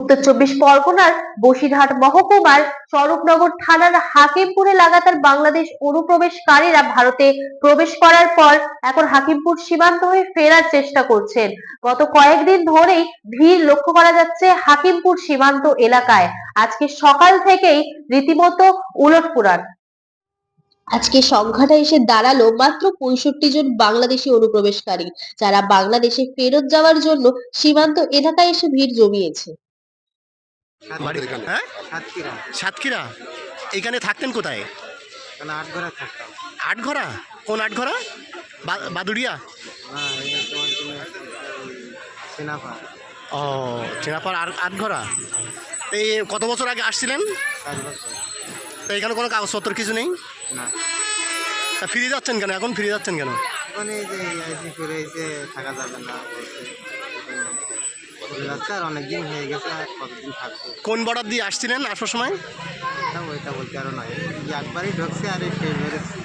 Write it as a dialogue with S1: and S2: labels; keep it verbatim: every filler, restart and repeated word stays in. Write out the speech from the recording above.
S1: উত্তর চব্বিশ পরগনার বসিরহাট মহকুমার স্বরূপনগর থানার হাকিমপুরে লাগাতার বাংলাদেশ অনুপ্রবেশকারীরা ভারতে প্রবেশ করার পর এখন হাকিমপুর সীমান্ত হয়ে ফেরার চেষ্টা করছেন। গত কয়েকদিন ধরেই ভিড় লক্ষ্য করা যাচ্ছে হাকিমপুর সীমান্ত এলাকায়। আজকে সকাল থেকেই রীতিমতো উলটপুরান। আজকে সংখ্যাটা এসে দাঁড়ালো মাত্র পঁয়ষট্টি জন বাংলাদেশি অনুপ্রবেশকারী, যারা বাংলাদেশে ফেরত যাওয়ার জন্য সীমান্ত এলাকায় এসে ভিড় জমিয়েছে।
S2: হ্যাঁ, সাতক্ষীরা। সাতক্ষীরা এখানে থাকতেন কোথায়?
S3: আটঘরা থাকতাম।
S2: আটঘরা? কোন আটঘরা? বাদুড়িয়া? ও, চেনাপাড় আটঘরা। এই কত বছর আগে আসছিলেন? তো এখানে কোনো কাগজপত্র কিছু নেই?
S3: না।
S2: তা ফিরে যাচ্ছেন কেন? এখন ফিরে যাচ্ছেন কেন?
S3: এখন এই যে ফিরে এসে থাকা যাবে না, চলে যাচ্ছে আর অনেক দিন হয়ে গেছে, আর কতদিন থাকবো।
S2: কোন বর্ডার দিয়ে আসছিলেন আসার সময়?
S3: ওইটা বলতে আরো নয়, একবারই ঢুকছে আর এই ফের বেরোচ্ছে।